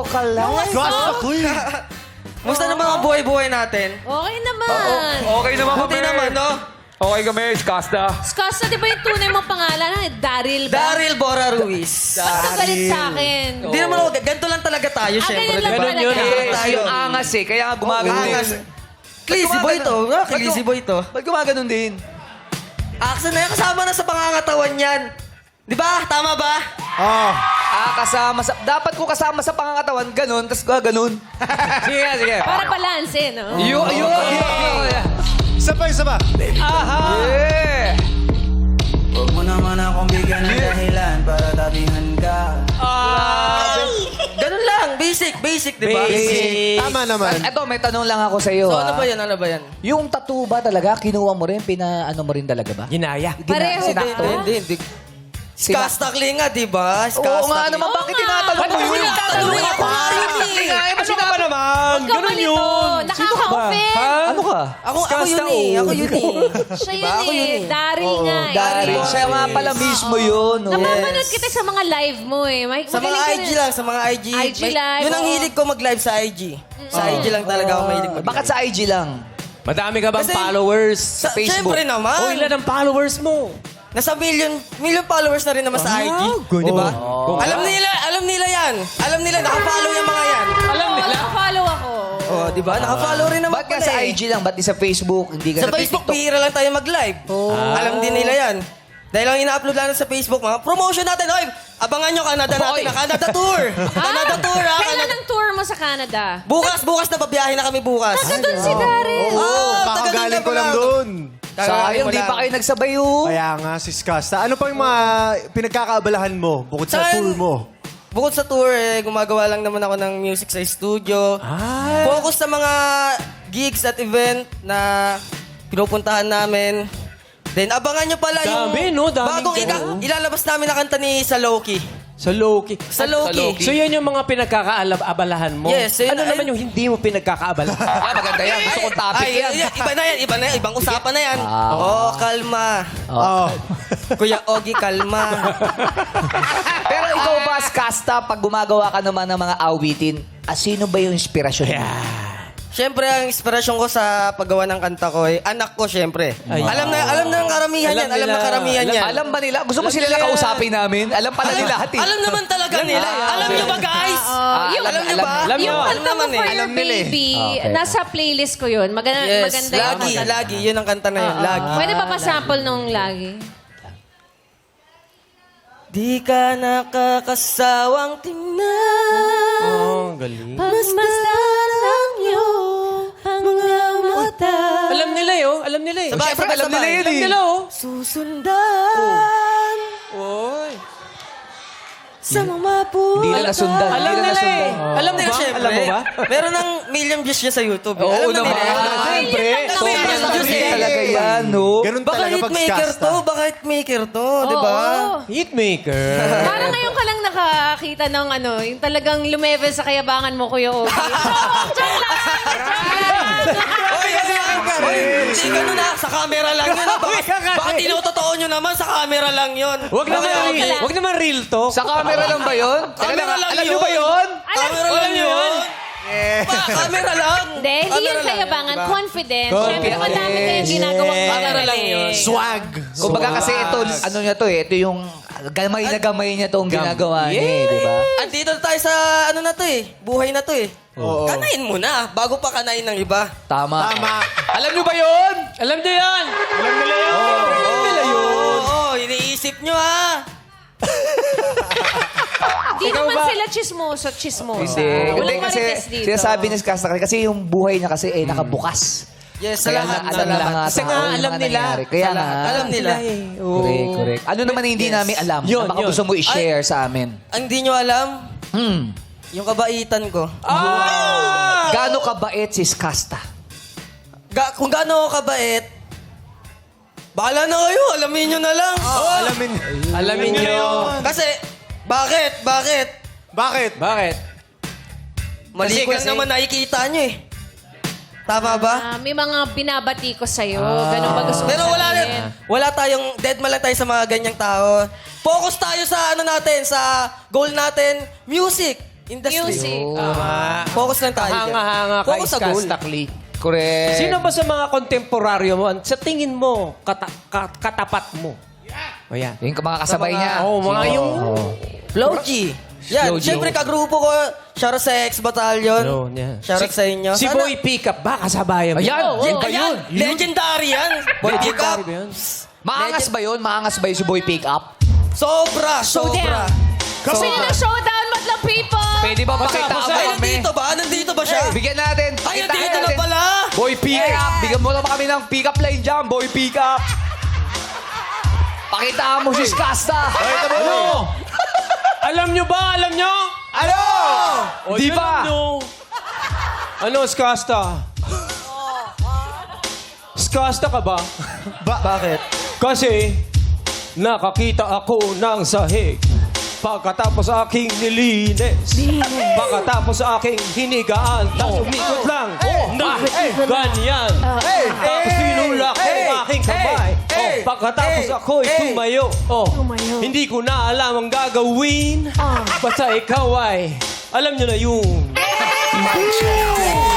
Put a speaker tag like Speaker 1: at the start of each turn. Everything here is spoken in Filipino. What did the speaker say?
Speaker 1: Vocalize.
Speaker 2: Musta naman ang buhay-buhay natin?
Speaker 3: Okay naman.
Speaker 4: Okay naman kami.
Speaker 2: Buti naman, no?
Speaker 4: Okay kami, Skasta.
Speaker 3: Skasta, di ba yung tunay mong pangalan? Daryl ba?
Speaker 2: Daryl Bora Ruiz.
Speaker 3: Ba't ka galit sa akin?
Speaker 2: Hindi naman ako, ganito lang talaga tayo, syempre.
Speaker 3: ganyan lang
Speaker 2: diba?
Speaker 3: talaga.
Speaker 4: Ganun yun eh.
Speaker 2: Tayo.
Speaker 1: Yung angas eh, kaya nga gumagano
Speaker 2: Angas.
Speaker 1: din.
Speaker 2: Clissy boy to. Clissy boy to.
Speaker 1: Ba't gumaganon din?
Speaker 2: Action na yan, kasama na sa pangangatawan yan. Di ba? Tama ba?
Speaker 1: Kasama sa... Dapat ko kasama sa pangangatawan, ganun, tapos gaganon.
Speaker 4: Sige, sige.
Speaker 3: Para balance eh, no?
Speaker 1: Yun.
Speaker 5: Isa pa.
Speaker 1: Yeah!
Speaker 6: Huwag mo naman akong bigyan ng dahilan para tabihan ka.
Speaker 2: Ganun lang. Basic, di ba?
Speaker 5: Tama naman.
Speaker 1: Ito, may tanong lang ako sa iyo.
Speaker 2: So, ano ba yan? Ano ba yan?
Speaker 1: Yung tattoo ba talaga, kinuha mo rin, ano mo rin talaga ba?
Speaker 4: Ginaya.
Speaker 3: Pareho ba?
Speaker 1: Sinakto?
Speaker 2: Hindi. Skastakli nga, di ba?
Speaker 1: Oo nga naman, bakit tinatanong mo yun?
Speaker 2: Tatanungin ako nga yun eh.
Speaker 4: Ano ka ba naman?
Speaker 3: Huwag ka malito. Nakaka-offend.
Speaker 1: Ano ka?
Speaker 2: Ako yun eh. Ako yun eh.
Speaker 3: Siya
Speaker 2: Diba?
Speaker 3: yun
Speaker 2: Ako yun
Speaker 3: eh.
Speaker 2: eh.
Speaker 3: Daryl nga eh.
Speaker 1: Daryl. Siya nga pala mismo yun. oh.
Speaker 3: Napapanood kita sa mga live mo eh.
Speaker 2: Sa mga IG lang, sa mga IG.
Speaker 3: IG live,
Speaker 2: Yun ang
Speaker 3: oo.
Speaker 2: hilig ko mag-live sa IG. Sa IG lang talaga ako mahilig mag-live.
Speaker 1: Bakit sa IG lang?
Speaker 4: Madami ka bang
Speaker 2: Kasi-
Speaker 4: followers sa Facebook?
Speaker 2: Siyempre naman.
Speaker 4: O, ilan ang followers mo?
Speaker 2: Nasa million followers na rin naman sa IG. Di ba? Alam nila yan. Alam nila, nakafollow yung mga yan.
Speaker 4: Alam nila.
Speaker 3: Nakafollow ako.
Speaker 2: Oh, di ba? Nakafollow rin naman
Speaker 1: Ba't ka
Speaker 2: pala
Speaker 1: sa
Speaker 2: eh.
Speaker 1: IG lang? Ba't di sa Facebook? Hindi ka
Speaker 2: Sa Facebook, bihira lang tayo mag-live. Alam din nila yan. Dahil lang ina-upload lang sa Facebook, mga promotion natin. Oy, abangan nyo Canada natin. Na Canada Tour. Canada Tour, ha?
Speaker 3: Kailan ang tour mo sa Canada?
Speaker 2: Bukas na babiyahe na kami bukas.
Speaker 3: Taga doon si Daryl.
Speaker 5: Kakagaling ko lang doon.
Speaker 1: Sayang, di pa kayo nagsabayo.
Speaker 5: Kaya nga, si Skasta. Ano pa yung mga pinagkakaabalahan mo bukod sa
Speaker 2: Saan?
Speaker 5: tour mo?
Speaker 2: Bukod sa tour, gumagawa lang naman ako ng music sa studio. Focus sa mga gigs at event na pinupuntahan namin. Then abangan nyo pala
Speaker 4: Dami,
Speaker 2: yung
Speaker 4: no? Daming
Speaker 2: bagong
Speaker 4: ganun.
Speaker 2: ilalabas namin na kanta ni Saloki.
Speaker 4: Sa Loki.
Speaker 2: Sa Loki.
Speaker 4: So yan yung mga pinagkakaabalahan mo?
Speaker 2: Yes, yun-
Speaker 4: Ano naman yung hindi mo pinagkakaabalahan?
Speaker 1: Maganda yan. Gusto kong topic
Speaker 2: Ay,
Speaker 1: yan.
Speaker 2: iba na yan. Ibang usapan na yan. Kalma.
Speaker 5: Oh.
Speaker 2: Kuya Ogie, kalma.
Speaker 1: Pero ikaw ba, Skasta, pag gumagawa ka naman ng mga awitin, sino ba yung inspirasyon mo?
Speaker 2: Siyempre, ang inspirasyon ko sa paggawa ng kanta ko ay anak ko, siyempre. Alam na ng karamihan yan. Alam na karamihan yan.
Speaker 1: Alam ba nila? Gusto mo sila nakausapin namin? Alam pala nila lahat eh.
Speaker 2: Alam naman talaga nila. Alam nyo ba, guys?
Speaker 1: Alam
Speaker 2: nyo ba?
Speaker 4: Alam nyo.
Speaker 3: Yung
Speaker 2: Alam
Speaker 3: kanta mo
Speaker 2: naman
Speaker 3: for
Speaker 2: eh.
Speaker 3: your
Speaker 5: Alam nila eh.
Speaker 3: baby,
Speaker 1: Okay.
Speaker 3: nasa playlist ko yun. Maganda
Speaker 2: Yes,
Speaker 3: yung kanta.
Speaker 2: lagi. Yun ang kanta na yun. Lagi.
Speaker 3: Pwede ba pa-sample nung lagi?
Speaker 2: Di ka nakakasawang tingnan.
Speaker 4: Oh, galing.
Speaker 3: Pagmasdan ang iyong mga mata.
Speaker 4: Alam nila yun. Alam nila eh.
Speaker 2: Sabay,
Speaker 1: Siyempre,
Speaker 2: sabay,
Speaker 1: alam nila
Speaker 2: sabay.
Speaker 1: yun
Speaker 4: Alam
Speaker 1: eh.
Speaker 4: nila oh.
Speaker 2: Susundan
Speaker 4: Oy.
Speaker 2: sa mga puso.
Speaker 1: Hindi na nasundan.
Speaker 4: Alam
Speaker 1: Hindi na
Speaker 4: nila eh.
Speaker 1: nasundan.
Speaker 4: Alam mo ba?
Speaker 2: Siyempre.
Speaker 4: Alam mo ba?
Speaker 2: Meron ng million views niya sa YouTube.
Speaker 1: Oo
Speaker 2: Alam na
Speaker 1: naman.
Speaker 2: nila.
Speaker 1: Siyempre.
Speaker 2: Sobrang
Speaker 1: Sobrang
Speaker 2: views
Speaker 1: views
Speaker 2: eh.
Speaker 1: talaga yan, no?
Speaker 5: Ganun
Speaker 2: Baka
Speaker 5: talaga pag
Speaker 2: hitmaker
Speaker 5: Skasta.
Speaker 2: to. Baka hitmaker to. Di ba?
Speaker 3: Oo.
Speaker 4: Hitmaker.
Speaker 3: Parang ngayon ka lang nakakita ng yung talagang lumevel sa kayabangan mo, Kuya Ogie.
Speaker 2: Hindi ganun na. Sa camera lang yun. Baka tinutotoo nyo naman. Sa camera lang yun.
Speaker 4: Wag naman real to.
Speaker 1: Sa camera lang ba yun?
Speaker 2: Camera lang
Speaker 1: Alam
Speaker 2: yun.
Speaker 1: nyo ba yun?
Speaker 2: Camera lang yun. Camera lang.
Speaker 3: Hindi, hindi yan kayabangan. Confident. Siyempre, madami kayong ginagawang
Speaker 2: Camera lang yun.
Speaker 5: Swag.
Speaker 1: Kumbaga kasi ito, ano niya to eh, ito yung gamay na gamay niya tong ginagawa niya eh, di ba?
Speaker 2: Andito tayo sa ano na to eh. Buhay na to eh.
Speaker 5: Oo.
Speaker 2: Kanain mo na. Bago pa kanain ng iba.
Speaker 1: Tama.
Speaker 5: Tama.
Speaker 1: Alam nyo ba yun?
Speaker 4: Alam niyo yan. Alam nila yan.
Speaker 2: Oo, iniisip nyo ha.
Speaker 3: Hindi naman sila chismoso.
Speaker 1: Hindi.
Speaker 3: Walang
Speaker 1: kasi
Speaker 3: marites dito.
Speaker 1: sinasabi ni Skasta kasi yung buhay niya kasi nakabukas.
Speaker 2: Yes, sa
Speaker 1: Kaya
Speaker 2: lahat.
Speaker 1: alam
Speaker 2: Sa
Speaker 1: nila
Speaker 2: lahat.
Speaker 1: nga
Speaker 4: Kasi
Speaker 1: tao
Speaker 4: nga,
Speaker 1: yung
Speaker 4: alam
Speaker 1: mga
Speaker 4: nila.
Speaker 1: nangyayari. Kaya
Speaker 2: Sa
Speaker 1: nga.
Speaker 2: lahat. Alam nila.
Speaker 1: Correct, correct. Ano naman hindi namin alam?
Speaker 4: Yun,
Speaker 1: na baka
Speaker 4: yun.
Speaker 1: gusto mo i-share sa amin.
Speaker 2: Ang di nyo alam,
Speaker 1: Hmm.
Speaker 2: yung kabaitan ko.
Speaker 1: Gaano kabait si Skasta?
Speaker 2: Kung gaano ako kabait, bahala na kayo. Alamin nyo na lang.
Speaker 5: Alamin.
Speaker 4: Alamin niyo.
Speaker 2: Kasi, bakit?
Speaker 5: Bakit?
Speaker 4: Bakit?
Speaker 2: Mali ko lang
Speaker 4: Kasi-
Speaker 2: naman nakikita nyo eh. Tama ba?
Speaker 3: May mga binabati ko sa'yo. Ganun ba gusto mo
Speaker 2: Pero
Speaker 3: sabihin?
Speaker 2: wala tayong, dead man lang tayo sa mga ganyang tao. Focus tayo sa ano natin, sa goal natin, music. industry.
Speaker 3: Music.
Speaker 2: Focus lang tayo dyan.
Speaker 4: Hanga-hanga kay
Speaker 2: Focus sa goal.
Speaker 4: Skasta Click.
Speaker 1: Correct.
Speaker 4: Sino ba sa mga kontemporaryo mo, sa tingin mo, katapat mo? O yan.
Speaker 1: Yung mga kasabay niya.
Speaker 4: Oo, mga yung...
Speaker 2: Flow G. Yan,
Speaker 1: Flow G.
Speaker 2: syempre kagrupo ko, shoutout sa X-Battalion.
Speaker 4: Yun, yan.
Speaker 2: Shoutout sa inyo.
Speaker 4: Si
Speaker 2: Sana-
Speaker 4: Boy Pickup ba? Kasabayan mo?
Speaker 1: Ayan,
Speaker 3: Oo,
Speaker 1: yan
Speaker 3: oo.
Speaker 1: ba yun?
Speaker 2: Legendary yan. Boy Pick Up.
Speaker 4: Legendary ba yun?
Speaker 1: Maangas ba yun? Maangas ba yun si Boy Pick Up?
Speaker 2: Sobra, sobra.
Speaker 3: Gusto niyo ng showdown, Madlang people?
Speaker 1: Pwede ba pakita
Speaker 4: basa.
Speaker 1: mo
Speaker 2: Ay,
Speaker 1: kami?
Speaker 2: nandito ba? Nandito ba siya?
Speaker 1: Bigyan natin.
Speaker 2: Ay,
Speaker 1: Pakita
Speaker 2: nandito na
Speaker 1: natin.
Speaker 2: pala.
Speaker 1: Boy Pick Up. Bigyan mo naman kami ng pick up line dyan. Boy Pick Up. Pakita mo si Skasta.
Speaker 4: Ano? Alam nyo ba? Alam nyo?
Speaker 1: Ano?
Speaker 4: O,
Speaker 1: Di
Speaker 4: yun
Speaker 1: ba?
Speaker 4: Ano, ano Skasta? Skasta ka ba?
Speaker 2: Bakit?
Speaker 4: Kasi nakakita ako ng sahig pagkatapos aking nilinis. Pagkatapos aking hinigaan. Tapos umikot lang. Bakit ganyan? Tapos sinulak ang aking kamay. Pagkatapos ako'y tumayo. Hindi ko na alam ang gagawin. Basta ikaw ay alam nyo na yun.